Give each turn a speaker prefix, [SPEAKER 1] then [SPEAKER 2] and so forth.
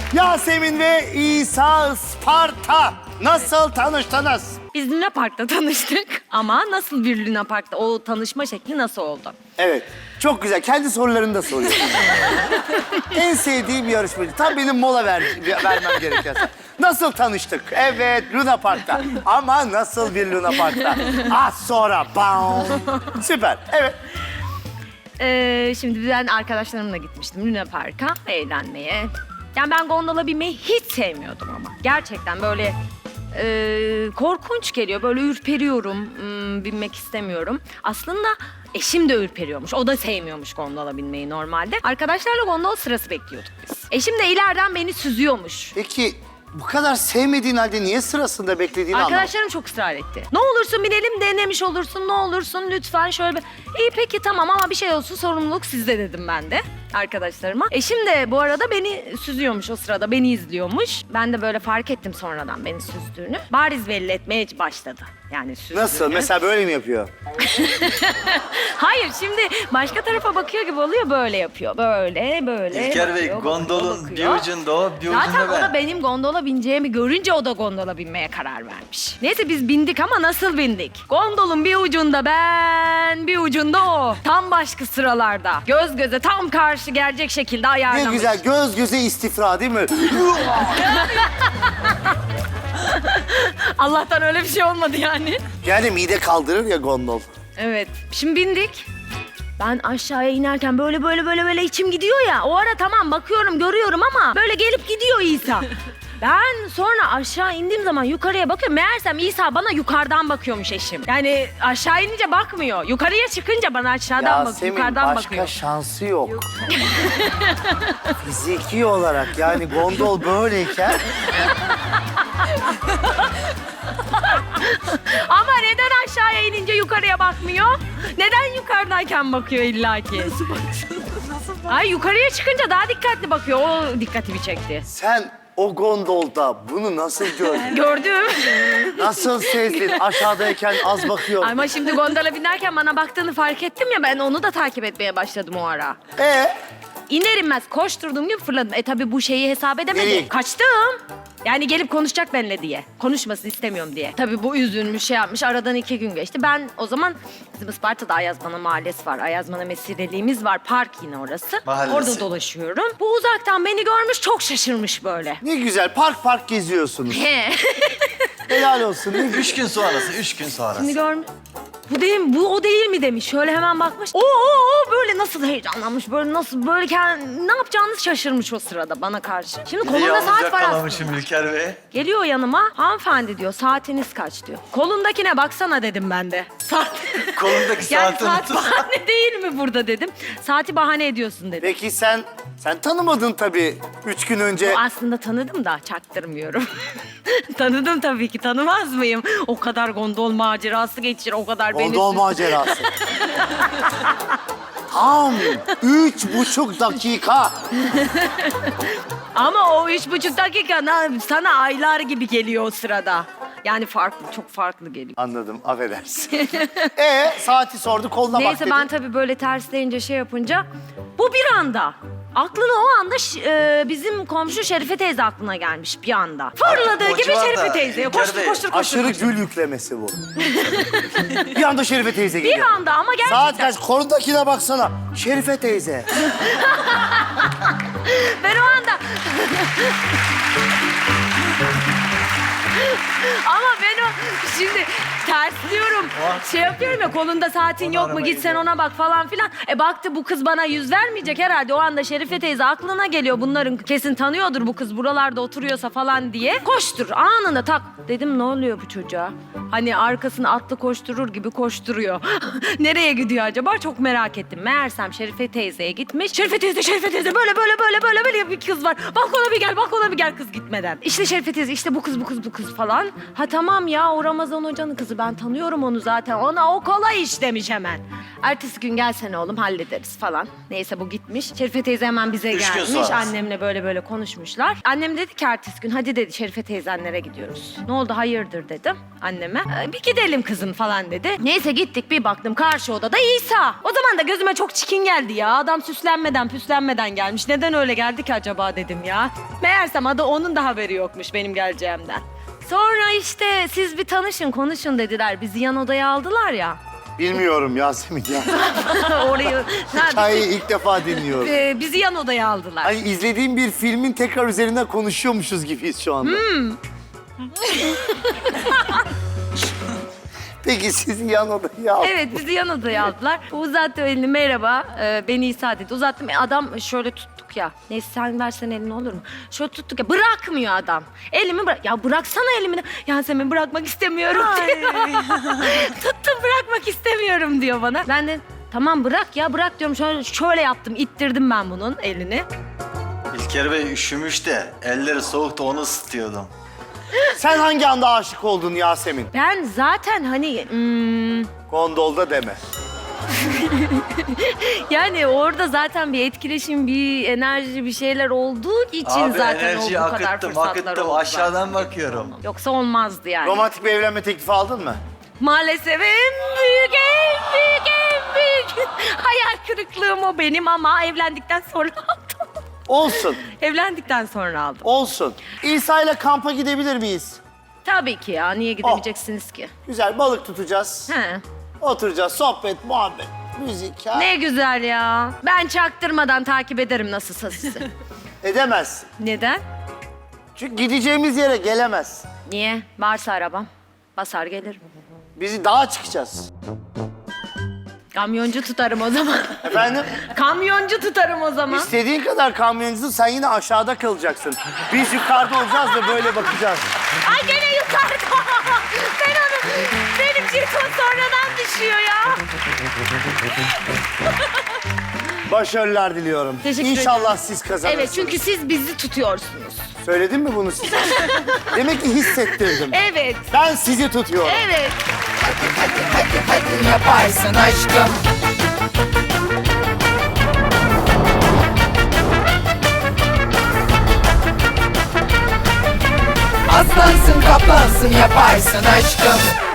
[SPEAKER 1] Yasemin ve İsa Isparta. Nasıl tanıştınız?
[SPEAKER 2] Biz Luna Park'ta tanıştık ama nasıl bir Luna Park'ta o tanışma şekli nasıl oldu?
[SPEAKER 1] Evet. Çok güzel. Kendi sorularını da soruyor. En sevdiğim yarışmacı. Tam benim mola vermem gerekiyor. Nasıl tanıştık? Evet, Luna Park'ta. Ama nasıl bir Luna Park'ta? Az sonra. Bam. Süper. Evet.
[SPEAKER 2] Şimdi ben arkadaşlarımla gitmiştim Luna Park'a eğlenmeye. Yani ben gondola binmeyi hiç sevmiyordum ama. Gerçekten böyle korkunç geliyor. Böyle ürperiyorum, binmek istemiyorum. Aslında eşim de ürperiyormuş. O da sevmiyormuş gondola binmeyi normalde. Arkadaşlarla gondol sırası bekliyorduk biz. Eşim de ileriden beni süzüyormuş.
[SPEAKER 1] Peki bu kadar sevmediğin halde niye sırasında beklediğini anlamadım.
[SPEAKER 2] Arkadaşlarım çok ısrar etti. Ne olursun binelim, denemiş olursun, ne olursun lütfen şöyle bir... İyi peki tamam ama bir şey olsun sorumluluk sizde dedim ben de arkadaşlarıma. Eşim de bu arada beni süzüyormuş o sırada, beni izliyormuş. Ben de böyle fark ettim sonradan beni süzdüğünü. Bariz belli etmeye başladı. Yani süzdüğünü.
[SPEAKER 1] Nasıl? Mesela böyle mi yapıyor?
[SPEAKER 2] Hayır şimdi başka tarafa bakıyor gibi oluyor böyle yapıyor. Böyle böyle.
[SPEAKER 3] İlker Bey
[SPEAKER 2] bakıyor,
[SPEAKER 3] gondolun bir
[SPEAKER 2] bakıyor.
[SPEAKER 3] ucunda o, bir
[SPEAKER 2] Zaten
[SPEAKER 3] ucunda
[SPEAKER 2] o da
[SPEAKER 3] ben.
[SPEAKER 2] benim gondola bineceğimi görünce o da gondola binmeye karar vermiş. Neyse biz bindik ama nasıl bindik? Gondolun bir ucunda ben, bir ucunda o. Tam başka sıralarda. Göz göze tam karşı gelecek şekilde
[SPEAKER 1] Ne
[SPEAKER 2] ayarlamış.
[SPEAKER 1] güzel göz göze istifra değil mi?
[SPEAKER 2] Allah'tan öyle bir şey olmadı yani.
[SPEAKER 1] Yani mide kaldırır ya gondol.
[SPEAKER 2] Evet. Şimdi bindik. Ben aşağıya inerken böyle içim gidiyor ya. O ara tamam bakıyorum, görüyorum ama böyle gelip gidiyor İsa. Ben sonra aşağı indiğim zaman yukarıya bakıyorum. Meğersem İsa bana yukarıdan bakıyormuş eşim. Yani aşağı inince bakmıyor. Yukarıya çıkınca bana aşağıdan bakıyor.
[SPEAKER 1] Yasemin
[SPEAKER 2] Yukarıdan
[SPEAKER 1] başka
[SPEAKER 2] bakıyor.
[SPEAKER 1] şansı yok. Fiziki olarak yani gondol böyleyken
[SPEAKER 2] Ama neden aşağıya inince yukarıya bakmıyor? Neden yukarıdayken bakıyor illaki? Ay yukarıya çıkınca daha dikkatli bakıyor. O dikkatimi çekti.
[SPEAKER 1] sen o gondolda bunu nasıl gördün?
[SPEAKER 2] Gördüm.
[SPEAKER 1] Nasıl sezdin? Aşağıdayken az bakıyor.
[SPEAKER 2] Ama şimdi gondola binerken bana baktığını fark ettim ya, ben onu da takip etmeye başladım o ara. İner inmez koşturduğum gibi fırladım. Tabii bu şeyi hesap edemedi.
[SPEAKER 1] Nereye?
[SPEAKER 2] Kaçtım. Yani gelip konuşacak benimle diye. Konuşmasını istemiyorum diye. Tabii bu üzülmüş, şey yapmış. Aradan 2 gün geçti. Ben o zaman bizim Isparta'da Ayazmana Mahallesi var. Ayazmana Mesireliğimiz var. Park yine orası.
[SPEAKER 3] Mahallesi.
[SPEAKER 2] Orada dolaşıyorum. Bu uzaktan beni görmüş, çok şaşırmış böyle.
[SPEAKER 1] Ne güzel park geziyorsunuz.
[SPEAKER 2] He.
[SPEAKER 1] Helal olsun. Ne güzel.
[SPEAKER 3] 3 gün sonrası, 3 gün sonrası.
[SPEAKER 2] Şimdi görmüş. Bu değil mi? Bu o değil mi demiş. Şöyle hemen bakmış. Oo böyle nasıl heyecanlanmış. Böyle nasıl böyle ne yapacağını şaşırmış o sırada bana karşı. Şimdi
[SPEAKER 3] Bir de
[SPEAKER 2] kolunda
[SPEAKER 3] yalnız
[SPEAKER 2] saat var
[SPEAKER 3] yakalamışım
[SPEAKER 2] aslında.
[SPEAKER 3] İlker Bey.
[SPEAKER 2] Geliyor yanıma. Hanımefendi diyor. Saatiniz kaç diyor. Kolundakine baksana dedim ben de. Saat.
[SPEAKER 3] Kolundaki
[SPEAKER 2] Yani
[SPEAKER 3] saati
[SPEAKER 2] saat
[SPEAKER 3] unuttum.
[SPEAKER 2] bahane değil mi burada dedim. Saati bahane ediyorsun dedim.
[SPEAKER 1] Peki sen tanımadın tabii 3 gün önce.
[SPEAKER 2] Aslında tanıdım da çaktırmıyorum. Tanıdım tabii ki, tanımaz mıyım? O kadar gondol macerası geçir, o kadar beni...
[SPEAKER 1] Gondol macerası. Tam 3,5 dakika.
[SPEAKER 2] Ama o 3,5 dakika sana aylar gibi geliyor o sırada. Yani farklı, çok farklı geliyor.
[SPEAKER 1] Anladım, affedersin. Saati sordu, koluna bak
[SPEAKER 2] Neyse
[SPEAKER 1] dedi.
[SPEAKER 2] ben tabii böyle tersleyince şey yapınca... Bu bir anda. Aklına o anda bizim komşu Şerife teyze aklına gelmiş bir anda. Fırladığı
[SPEAKER 3] O
[SPEAKER 2] gibi
[SPEAKER 3] civarda
[SPEAKER 2] Şerife teyzeye
[SPEAKER 3] İlker
[SPEAKER 2] koştur
[SPEAKER 3] Bey,
[SPEAKER 2] koştur koştur.
[SPEAKER 1] Aşırı gül yüklemesi bu. Bir anda Şerife teyze geliyor.
[SPEAKER 2] Bir anda ama gerçekten.
[SPEAKER 1] Saat kaç? Kolundakine baksana. Şerife teyze.
[SPEAKER 2] Ben o anda... Ama ben o şimdi tersliyorum. Şey yapıyorum ya, kolunda saatin yok mu, git sen ona bak falan filan. Baktı bu kız bana yüz vermeyecek herhalde. O anda Şerife teyze aklına geliyor. Bunların kesin tanıyordur bu kız buralarda oturuyorsa falan diye. Koştur anında tak. Dedim ne oluyor bu çocuğa? Hani arkasını atlı koşturur gibi koşturuyor. Nereye gidiyor acaba? Çok merak ettim. Meğersem Şerife teyzeye gitmiş. Şerife teyze böyle bir kız var. Balkona bir gel kız gitmeden. İşte Şerife teyze, işte bu kız. gidiyoruz falan. Ha tamam ya, o Ramazan Hoca'nın kızı, ben tanıyorum onu zaten. Ona o kolay iş demiş hemen. Ertesi gün gelsene oğlum, hallederiz falan. Neyse bu gitmiş. Şerife teyze hemen bize
[SPEAKER 3] 3 gün
[SPEAKER 2] gelmiş.
[SPEAKER 3] sonrası.
[SPEAKER 2] Annemle böyle konuşmuşlar. Annem dedi ki ertesi gün hadi dedi Şerife teyzenlere gidiyoruz. Ne oldu hayırdır dedim anneme. Bir gidelim kızım falan dedi. Neyse gittik, bir baktım karşı odada İsa. O zaman da gözüme çok çikin geldi ya. Adam süslenmeden püslenmeden gelmiş. Neden öyle geldi ki acaba dedim ya. Meğersem adı onun da haberi yokmuş benim geleceğimden. Sonra işte siz bir tanışın konuşun dediler. Bizi yan odaya aldılar ya.
[SPEAKER 1] Bilmiyorum Yasemin ya.
[SPEAKER 2] Orayı
[SPEAKER 1] Hikayeyi ilk defa dinliyorum.
[SPEAKER 2] bizi yan odaya aldılar.
[SPEAKER 1] Hani izlediğim bir filmin tekrar üzerinden konuşuyormuşuz gibiyiz şu anda. Peki sizi yan odaya aldı.
[SPEAKER 2] Evet, bizi yan odaya aldılar. Uzattı elini, merhaba, beni İsa dedi. Uzattım, adam şöyle tuttuk ya. Neyse sen versen elini olur mu? Şöyle tuttuk ya, bırakmıyor adam. Elimi bırak. Ya bıraksana elimi. Yasemin bırakmak istemiyorum diyor. Tuttum, bırakmak istemiyorum diyor bana. Ben de tamam bırak ya, bırak diyorum. Şöyle yaptım, ittirdim ben bunun elini.
[SPEAKER 3] İlker Bey üşümüş de elleri soğuktu onu ısıtıyordum.
[SPEAKER 1] Sen hangi anda aşık oldun Yasemin?
[SPEAKER 2] Ben zaten hani...
[SPEAKER 1] Gondolda deme.
[SPEAKER 2] Yani orada zaten bir etkileşim, bir enerji, bir şeyler olduğu için
[SPEAKER 3] Abi
[SPEAKER 2] zaten
[SPEAKER 3] enerjiyi
[SPEAKER 2] o bu kadar
[SPEAKER 3] akıttım
[SPEAKER 2] fırsatlar oldu.
[SPEAKER 3] aşağıdan bakıyorum.
[SPEAKER 2] Yoksa olmazdı yani.
[SPEAKER 1] Romantik bir evlenme teklifi aldın mı?
[SPEAKER 2] Maalesef en büyük hayal kırıklığım o benim, ama evlendikten sonra aldım.
[SPEAKER 1] Olsun,
[SPEAKER 2] Evlendikten sonra aldım.
[SPEAKER 1] olsun. İsa ile kampa gidebilir miyiz?
[SPEAKER 2] Tabii ki ya, niye gidemeyeceksiniz ki?
[SPEAKER 1] Güzel, balık tutacağız.
[SPEAKER 2] He.
[SPEAKER 1] Oturacağız, sohbet, muhabbet, müzik. Ha?
[SPEAKER 2] Ne güzel ya. Ben çaktırmadan takip ederim nasılsa sizi.
[SPEAKER 1] Edemez.
[SPEAKER 2] Neden?
[SPEAKER 1] Çünkü gideceğimiz yere gelemez.
[SPEAKER 2] Niye? Varsa arabam. Basar gelirim.
[SPEAKER 1] Bizi dağa çıkacağız.
[SPEAKER 2] Kamyoncu tutarım o zaman.
[SPEAKER 1] Efendim?
[SPEAKER 2] Kamyoncu tutarım o zaman.
[SPEAKER 1] İstediğin kadar kamyoncusun, sen yine aşağıda kalacaksın. Biz yukarıda olacağız da böyle bakacağız.
[SPEAKER 2] Ay gene yukarıda. Ben onu, benim jeton sonradan düşüyor ya.
[SPEAKER 1] Başarılar diliyorum.
[SPEAKER 2] Teşekkür
[SPEAKER 1] İnşallah
[SPEAKER 2] ederim.
[SPEAKER 1] siz kazanırsınız.
[SPEAKER 2] Evet, çünkü siz bizi tutuyorsunuz.
[SPEAKER 1] Söyledim mi bunu size? Demek ki hissettirdim.
[SPEAKER 2] Evet,
[SPEAKER 1] Ben sizi tutuyorum.
[SPEAKER 2] evet.
[SPEAKER 4] Yaparsın aşkım. Aslansın kaplansın yaparsın aşkım.